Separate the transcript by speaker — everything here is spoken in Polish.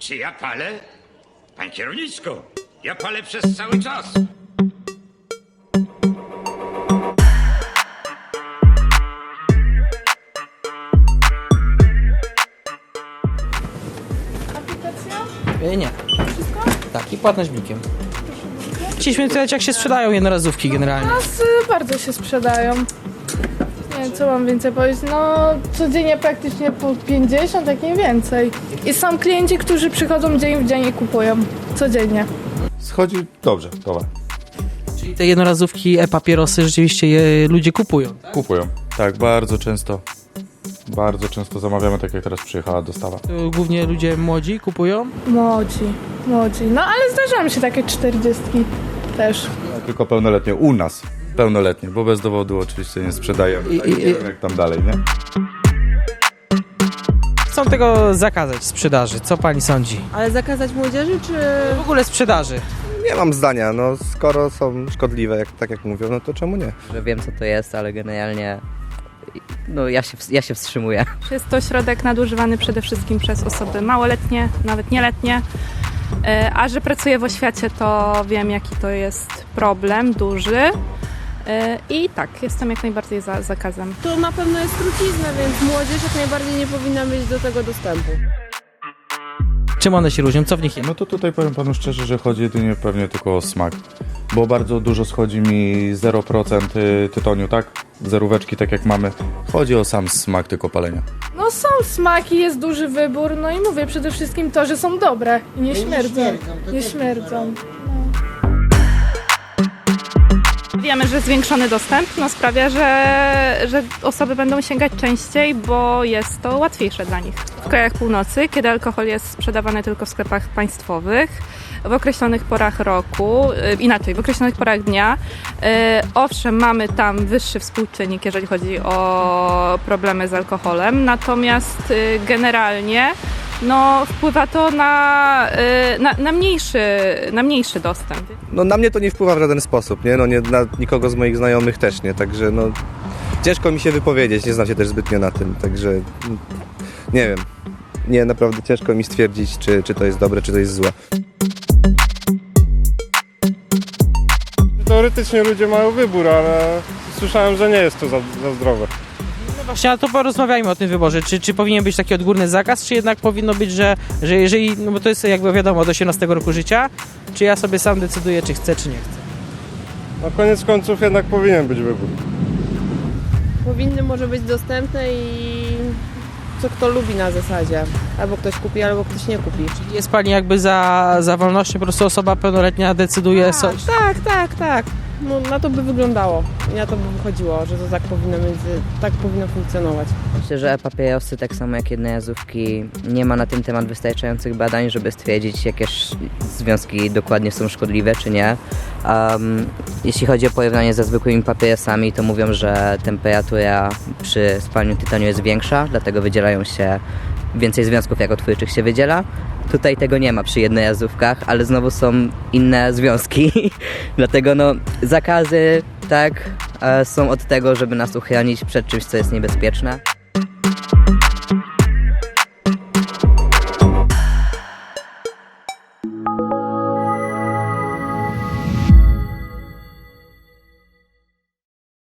Speaker 1: Czy ja palę? Pan kierowniczko, ja palę przez cały czas.
Speaker 2: Aplikacja? Nie. Wszystko? Tak, i płatność blikiem. Chcieliśmy pytać, jak się sprzedają jednorazówki generalnie.
Speaker 3: U nas bardzo się sprzedają. Nie wiem, co mam więcej powiedzieć. No, codziennie praktycznie po 50, jak nie więcej. I są klienci, którzy przychodzą dzień w dzień i kupują. Codziennie.
Speaker 4: Schodzi dobrze, towar.
Speaker 2: Czyli te jednorazówki, e-papierosy rzeczywiście je ludzie kupują. Tak?
Speaker 4: Kupują. Tak, bardzo często. Bardzo często zamawiamy, tak jak teraz przyjechała dostawa.
Speaker 2: To głównie ludzie młodzi kupują.
Speaker 3: Młodzi. No, ale zdarzają się takie 40 też.
Speaker 4: Tylko pełnoletnie. U nas pełnoletnie, bo bez dowodu oczywiście nie sprzedajemy. Tak, nie wiem jak tam dalej, nie?
Speaker 2: Chcą tego zakazać sprzedaży. Co pani sądzi?
Speaker 5: Ale zakazać młodzieży, czy...
Speaker 2: W ogóle sprzedaży.
Speaker 6: Nie mam zdania, no skoro są szkodliwe, tak jak mówią, no to czemu nie?
Speaker 7: Że wiem, co to jest, ale generalnie no, ja się wstrzymuję.
Speaker 8: Jest to środek nadużywany przede wszystkim przez osoby małoletnie, nawet nieletnie. A że pracuję w oświacie, to wiem, jaki to jest problem duży. I tak, jestem jak najbardziej za zakazem.
Speaker 5: To na pewno jest trucizna, więc młodzież jak najbardziej nie powinna mieć do tego dostępu.
Speaker 2: Czym one się różnią? Co w nich jest?
Speaker 4: No to tutaj powiem panu szczerze, że chodzi jedynie pewnie tylko o smak. Bo bardzo dużo schodzi mi 0% tytoniu, tak? Zeróweczki, tak jak mamy. Chodzi o sam smak tylko palenia.
Speaker 3: No są smaki, jest duży wybór, no i mówię przede wszystkim to, że są dobre i nie śmierdzą. Nie śmierdzą.
Speaker 8: Wiemy, że zwiększony dostęp sprawia, że osoby będą sięgać częściej, bo jest to łatwiejsze dla nich. W krajach północy, kiedy alkohol jest sprzedawany tylko w sklepach państwowych, w określonych porach roku, w określonych porach dnia, owszem, mamy tam wyższy współczynnik, jeżeli chodzi o problemy z alkoholem, natomiast generalnie wpływa to na mniejszy dostęp.
Speaker 6: No na mnie to nie wpływa w żaden sposób, nie? No nie, na nikogo z moich znajomych też nie, także no ciężko mi się wypowiedzieć, nie znam się też zbytnio na tym, także nie wiem. Nie, naprawdę ciężko mi stwierdzić, czy to jest dobre, czy to jest złe.
Speaker 9: Teoretycznie ludzie mają wybór, ale słyszałem, że nie jest to za zdrowe.
Speaker 2: No właśnie, ale to porozmawiajmy o tym wyborze. Czy powinien być taki odgórny zakaz, czy jednak powinno być, że jeżeli, no bo to jest jakby wiadomo od 18 roku życia, czy ja sobie sam decyduję, czy chcę, czy nie chcę.
Speaker 9: Na koniec końców jednak powinien być wybór.
Speaker 5: Powinny może być dostępne i co kto lubi na zasadzie. Albo ktoś kupi, albo ktoś nie kupi.
Speaker 2: Czyli jest pani jakby za wolnością, po prostu osoba pełnoletnia decyduje
Speaker 5: Tak. No, na to by wyglądało. I na to by wychodziło, że to tak powinno funkcjonować.
Speaker 7: Myślę, że e-papierosy, tak samo jak jednorazówki, nie ma na ten temat wystarczających badań, żeby stwierdzić, jakie związki dokładnie są szkodliwe, czy nie. Jeśli chodzi o porównanie ze zwykłymi papierosami, to mówią, że temperatura przy spalaniu tytoniu jest większa, dlatego wydzielają się więcej związków jakotwórczych się wydziela. Tutaj tego nie ma przy jednorazówkach, ale znowu są inne związki, dlatego zakazy tak są od tego, żeby nas uchronić przed czymś, co jest niebezpieczne.